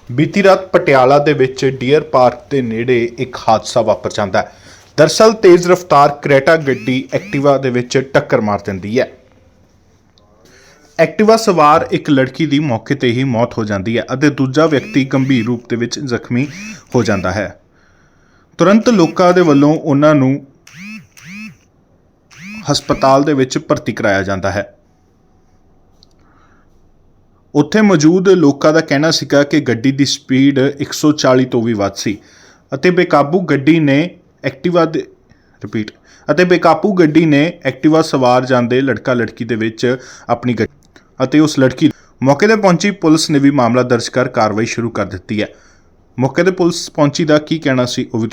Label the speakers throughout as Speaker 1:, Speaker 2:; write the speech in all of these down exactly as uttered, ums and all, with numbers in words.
Speaker 1: बीती रात पटियाला दे विच डीयर पार्क के नेड़े एक हादसा वापर जाता है। दरअसल तेज़ रफ्तार क्रेटा गड्डी एक्टिवा दे विच टक्कर मार देंदी है। एक्टिवा सवार एक लड़की की मौके ते ही मौत हो जाती है और दूजा व्यक्ति गंभीर रूप दे विच जख्मी हो जाता है। तुरंत लोकां दे वल्लों उन्हां नूं हस्पताल दे विच भर्ती कराया जाता है। उत्थे मौजूद लोगों का कहना सीगा कि गड्डी की स्पीड एक सौ चाली तो भी वध सी अते बेकाबू गड्डी ने एक्टिवा दे रिपीट अते बेकाबू गड्डी ने एक्टिवा सवार जांदे लड़का लड़की दे विच अपनी गड्डी अते उस लड़की मौके ते पहुंची पुलिस ने भी मामला दर्ज कर कार्रवाई शुरू कर दी है। मौके ते पुलिस पहुंची दा की कहना सी वो भी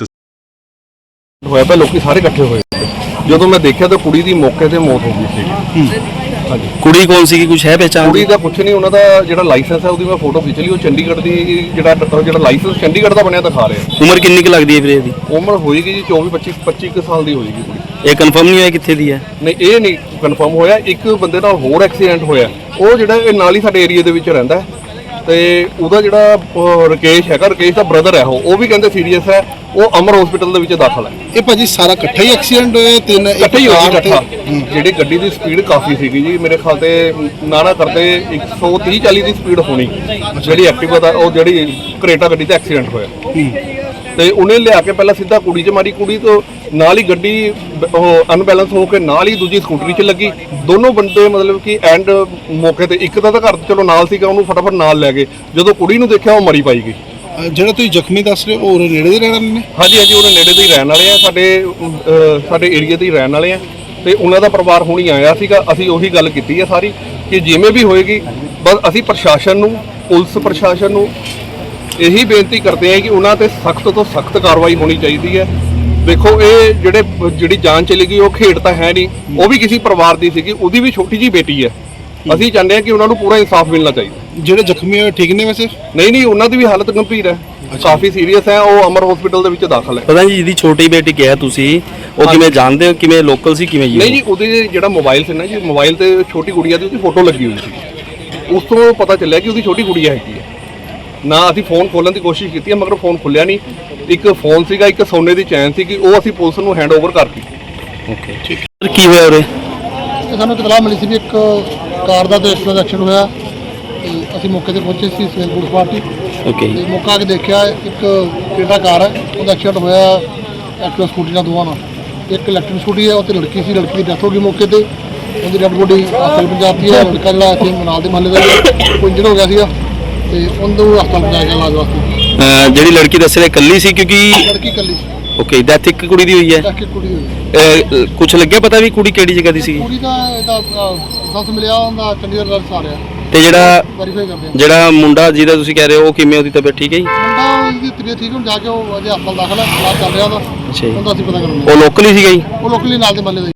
Speaker 1: तुसीं
Speaker 2: होया पे लोग सारे इकट्ठे होए ਜਦੋਂ मैं देखा तो कुड़ी दी मौके ते मौत हो गई सी। ਹਾਂਜੀ
Speaker 3: ਕੁੜੀ ਕੌਣ ਸੀ ਕੁਝ ਹੈ ਪਹਿਚਾਣ
Speaker 2: ਕੁੜੀ ਦਾ ਕੁਛ ਨਹੀਂ, ਉਹਨਾਂ ਦਾ ਜਿਹੜਾ ਲਾਇਸੈਂਸ ਹੈ ਉਹਦੀ ਮੈਂ ਫੋਟੋ ਖਿੱਚ ਲਈ। ਉਹ ਚੰਡੀਗੜ੍ਹ ਦੀ ਜਿਹੜਾ ਜਿਹੜਾ ਲਾਇਸੈਂਸ ਚੰਡੀਗੜ੍ਹ ਦਾ ਬਣਿਆ ਦਿਖਾ ਰਿਹਾ।
Speaker 3: ਉਮਰ ਕਿੰਨੀ ਕੁ ਲੱਗਦੀ ਹੈ ਵੀਰੇ ਇਹਦੀ?
Speaker 2: ਉਮਰ ਹੋਏਗੀ ਜੀ ਚੌਵੀ ਪੱਚੀ ਪੱਚੀ ਕੁ ਸਾਲ ਦੀ ਹੋਏਗੀ ਕੁੜੀ।
Speaker 3: ਇਹ ਕਨਫਰਮ ਨਹੀਂ ਹੋਇਆ ਕਿੱਥੇ ਦੀ ਹੈ?
Speaker 2: ਨਹੀਂ ਇਹ ਨਹੀਂ ਕਨਫਰਮ ਹੋਇਆ। ਇੱਕ ਬੰਦੇ ਨਾਲ ਹੋਰ ਐਕਸੀਡੈਂਟ ਹੋਇਆ, ਉਹ ਜਿਹੜਾ ਇਹ ਨਾਲ ਹੀ ਸਾਡੇ ਏਰੀਆ ਦੇ ਵਿੱਚ ਰਹਿੰਦਾ ਹੈ ਤੇ ਉਹਦਾ ਜਿਹੜਾ ਰਕੇਸ਼ ਹੈਗਾ, ਰਕੇਸ਼ ਦਾ ਬ੍ਰਦਰ ਹੈ, ਉਹ ਉਹ ਵੀ ਕਹਿੰਦੇ ਸੀਰੀਅਸ ਹੈ, ਉਹ ਅਮਰ ਹਸਪੀਟਲ ਦੇ ਵਿੱਚ ਦਾਖਲ ਹੈ।
Speaker 4: ਇਹ ਭਾਜੀ ਸਾਰਾ ਇਕੱਠਾ ਹੀ ਐਕਸੀਡੈਂਟ ਹੋਇਆ? ਤਿੰਨ
Speaker 2: ਇਕੱਠੇ ਹੀ ਹੋਇਆ ਇਕੱਠਾ। ਜਿਹੜੀ ਗੱਡੀ ਦੀ ਸਪੀਡ ਕਾਫੀ ਸੀਗੀ ਜੀ, ਮੇਰੇ ਖਿਆਲ ਤੇ ਨਾ ਨਾ ਕਰਦੇ ਇੱਕ ਸੌ ਤੀਹ ਚਾਲੀ ਦੀ ਸਪੀਡ ਹੋਣੀ ਜਿਹੜੀ ਐਕਟਿਵਾ ਦਾ, ਉਹ ਜਿਹੜੀ ਕਰੇਟਾ ਗੱਡੀ ਤੇ ਐਕਸੀਡੈਂਟ ਹੋਇਆ ਤੇ ਉਹਨੇ ਲਿਆ ਕੇ ਪਹਿਲਾਂ ਸਿੱਧਾ ਕੁੜੀ 'ਚ ਮਾਰੀ। ਕੁੜੀ ਤੋਂ ਨਾਲ ਹੀ ਗੱਡੀ ਉਹ ਅਨਬੈਲੈਂਸ ਹੋ ਕੇ ਨਾਲ ਹੀ ਦੂਜੀ ਸਕੂਟਰੀ 'ਚ ਲੱਗੀ। ਦੋਨੋਂ ਬੰਦੇ ਮਤਲਬ ਕਿ ਐਂਡ ਮੌਕੇ ਤੇ ਇੱਕ ਦਾ ਤਾਂ ਘਰ ਚਲੋ ਨਾਲ ਸੀਗਾ, ਉਹਨੂੰ ਫਟਾਫਟ ਨਾਲ ਲੈ ਗਏ। ਜਦੋਂ ਕੁੜੀ ਨੂੰ ਦੇਖਿਆ ਉਹ ਮਰੀ ਪਾਈ ਗਈ।
Speaker 4: ਜਿਹੜਾ ਤੁਸੀਂ ਜ਼ਖਮੀ ਦੱਸ ਰਹੇ ਹੋ ਉਹ ਨੇੜੇ ਦੇ ਰਹਿਣ ਵਾਲੇ ਨੇ?
Speaker 2: ਹਾਂਜੀ ਹਾਂਜੀ, ਉਹਨੇ ਨੇੜੇ ਦੇ ਹੀ ਰਹਿਣ ਵਾਲੇ ਆ, ਸਾਡੇ ਸਾਡੇ ਏਰੀਆ ਦੇ ਹੀ ਰਹਿਣ ਵਾਲੇ ਆ ਤੇ ਉਹਨਾਂ ਦਾ ਪਰਿਵਾਰ ਹੁਣੀ ਆਇਆ ਸੀਗਾ। ਅਸੀਂ ਉਹੀ ਗੱਲ ਕੀਤੀ ਹੈ ਸਾਰੀ ਕਿ ਜਿਵੇਂ ਵੀ ਹੋਏਗੀ ਬਸ ਅਸੀਂ ਪ੍ਰਸ਼ਾਸਨ ਨੂੰ, ਪੁਲਿਸ ਪ੍ਰਸ਼ਾਸਨ ਨੂੰ ਇਹੀ ਬੇਨਤੀ ਕਰਦੇ ਹਾਂ ਕਿ ਉਹਨਾਂ ਤੇ ਸਖਤ ਤੋਂ ਸਖਤ ਕਾਰਵਾਈ ਹੋਣੀ ਚਾਹੀਦੀ ਹੈ। ਦੇਖੋ ਇਹ ਜਿਹੜੇ ਜਿਹੜੀ ਜਾਨ ਚਲੀ ਗਈ ਉਹ ਖੇਡ ਤਾਂ ਹੈ ਨਹੀਂ, ਉਹ ਵੀ ਕਿਸੇ ਪਰਿਵਾਰ ਦੀ ਸੀਗੀ, ਉਹਦੀ ਵੀ ਛੋਟੀ ਜਿਹੀ ਬੇਟੀ ਹੈ। ਅਸੀਂ ਚਾਹੁੰਦੇ ਹਾਂ ਕਿ ਉਹਨਾਂ ਨੂੰ ਪੂਰਾ ਇਨਸਾਫ ਮਿਲਣਾ ਚਾਹੀਦਾ।
Speaker 4: ਜਿਹੜੇ ਜ਼ਖਮੀ ਹੋਏ ਠੀਕ ਨੇ ਵੈਸੇ?
Speaker 2: ਨਹੀਂ ਨਹੀਂ, ਉਹਨਾਂ ਦੀ ਵੀ ਹਾਲਤ ਗੰਭੀਰ ਹੈ, ਕਾਫੀ ਸੀਰੀਅਸ ਹੈ, ਉਹ ਅਮਰ ਹਸਪੀਟਲ ਦੇ ਵਿੱਚ ਦਾਖਲ ਹੈ।
Speaker 3: ਪਤਾ ਨਹੀਂ ਜਿਹਦੀ ਛੋਟੀ ਬੇਟੀ ਕਿਹਾ ਤੁਸੀਂ, ਉਹ ਕਿਵੇਂ ਜਾਣਦੇ ਹੋ, ਕਿਵੇਂ ਲੋਕਲ ਸੀ ਕਿਵੇਂ ਜੀ?
Speaker 2: ਨਹੀਂ ਜੀ, ਉਹਦੇ ਜਿਹੜਾ ਮੋਬਾਈਲ ਸੀ ਨਾ ਜੀ, ਮੋਬਾਈਲ ਤੇ ਛੋਟੀ ਗੁੜੀਆ ਦੀ ਉਹਦੀ ਫੋਟੋ ਲੱਗੀ ਹੋਈ ਸੀ। ਉਸ ਤੋਂ ਪਤਾ ਚੱਲਿਆ ਕਿ ਉਹਦੀ ਛੋਟੀ ਗੁੜੀਆ ਹੈਗੀ ਹੈ। ਨਾ ਅਸੀਂ ਫੋਨ ਖੋਲਣ ਦੀ ਕੋਸ਼ਿਸ਼ ਕੀਤੀ ਹੈ ਮਗਰ ਫੋਨ ਖੁੱਲਿਆ ਨਹੀਂ। ਇੱਕ ਫੋਨ ਸੀਗਾ, ਇੱਕ ਸੋਨੇ ਦੀ ਚੈਨ ਸੀਗੀ, ਉਹ ਅਸੀਂ ਪੁਲਿਸ ਨੂੰ ਹੈਂਡ ਓਵਰ ਕਰਤੀ।
Speaker 3: ਓਕੇ ਠੀਕ ਹੈ। ਕੀ ਹੋਇਆ ਉਰੇ?
Speaker 5: ਸਾਨੂੰ ਇਤਲਾਹ ਮਿਲੀ ਸੀ ਵੀ ਇੱਕ ਕਾਰ ਦਾ ਤੇ ਐਕਟਿਵਾ ਦਾ ਐਕਸੀਡੈਂਟ ਹੋਇਆ ਤੇ ਅਸੀਂ ਮੌਕੇ ਤੇ ਪਹੁੰਚੇ ਸੀ, ਸਿਵਲ ਪੁਲਿਸ ਪਾਰਟੀ।
Speaker 3: ਓਕੇ
Speaker 5: ਤੇ ਮੌਕਾ ਆ ਕੇ ਦੇਖਿਆ ਇੱਕ ਕ੍ਰੇਟਾ ਕਾਰ ਹੈ, ਉਹਦਾ ਐਕਸੀਡੈਂਟ ਹੋਇਆ ਐਕਟਿਵਾ ਸਕੂਟੀ ਨਾਲ ਦੋਵਾਂ ਨਾਲ। ਇੱਕ ਇਲੈਕਟ੍ਰਿਕ ਸਕੂਟੀ ਹੈ, ਉਹ ਤੇ ਲੜਕੀ ਸੀ, ਲੜਕੀ ਦੀ ਡੈਥ ਹੋ ਗਈ ਮੌਕੇ ਤੇ। ਉਹਦੀ ਡੈਡ ਬੋਡੀ ਹਸਪਤਾਲ ਪਹੁੰਚਾਤੀ ਹੈ। ਲੜਕਾ ਜਿਹੜਾ ਇੱਥੇ ਨਾਲ ਦੇ ਮਹੱਲੇ ਦਾ ਕੋਈ ਇੰਜਰਡ ਹੋ ਗਿਆ ਸੀਗਾ ਤੇ ਉਹਨੂੰ ਹਸਪਤਾਲ ਪਹੁੰਚਾਇਆ ਗਿਆ ਇਲਾਜ ਵਾਸਤੇ।
Speaker 3: ਜਿਹੜੀ ਲੜਕੀ ਦੱਸ ਰਹੇ ਇਕੱਲੀ ਸੀ ਕਿਉਂਕਿ
Speaker 5: ਲੜਕੀ ਇਕੱਲੀ ਸੀ।
Speaker 3: ਓਕੇ, ਡੈਥ ਇੱਕ ਕੁੜੀ ਦੀ ਹੋਈ ਹੈ?
Speaker 5: ਡੈਥ ਇੱਕ ਕੁੜੀ ਹੋਈ।
Speaker 3: ਕੁਝ ਲੱਗਿਆ ਪਤਾ ਵੀ ਕੁੜੀ ਕਿਹੜੀ ਜਗ੍ਹਾ ਦੀ ਸੀ?
Speaker 5: ਕੁੜੀ ਦਾ ਇਹਦਾ ਲਾਇਸੈਂਸ ਮਿਲਿਆ, ਉਹਦਾ ਚੰਡੀਗੜ੍ਹ ਦਾ ਆ ਰਿਹਾ
Speaker 3: ਤੇ ਜਿਹੜਾ
Speaker 5: ਵੈਰੀਫਾਈ ਕਰਦੇ ਆ।
Speaker 3: ਜਿਹੜਾ ਮੁੰਡਾ ਜਿਹਦਾ ਤੁਸੀਂ ਕਹਿ ਰਹੇ ਹੋ ਉਹ ਕਿਵੇਂ, ਉਹਦੀ ਤਬੀਅਤ ਠੀਕ ਹੈ ਜੀ?
Speaker 5: ਮੁੰਡਾ ਉਹਦੀ ਤਬੀਅਤ ਠੀਕ ਹੁਣ ਜਾ ਕੇ ਉਹ ਅਜੇ ਹਸਪਤਾਲ ਦਾਖਲ ਹੈ, ਇਲਾਜ ਚੱਲ ਰਿਹਾ ਉਹਦਾ।
Speaker 3: ਅੱਛਾ ਜੀ,
Speaker 5: ਉਹਦਾ ਅਸੀਂ ਪਤਾ ਕਰਾਂਗੇ।
Speaker 3: ਉਹ ਲੋਕਲ ਹੀ ਸੀਗਾ ਜੀ?
Speaker 5: ਉਹ ਲੋਕਲੀ ਨਾਲ ਦੇ ਮਹੱਲੇ ਦਾ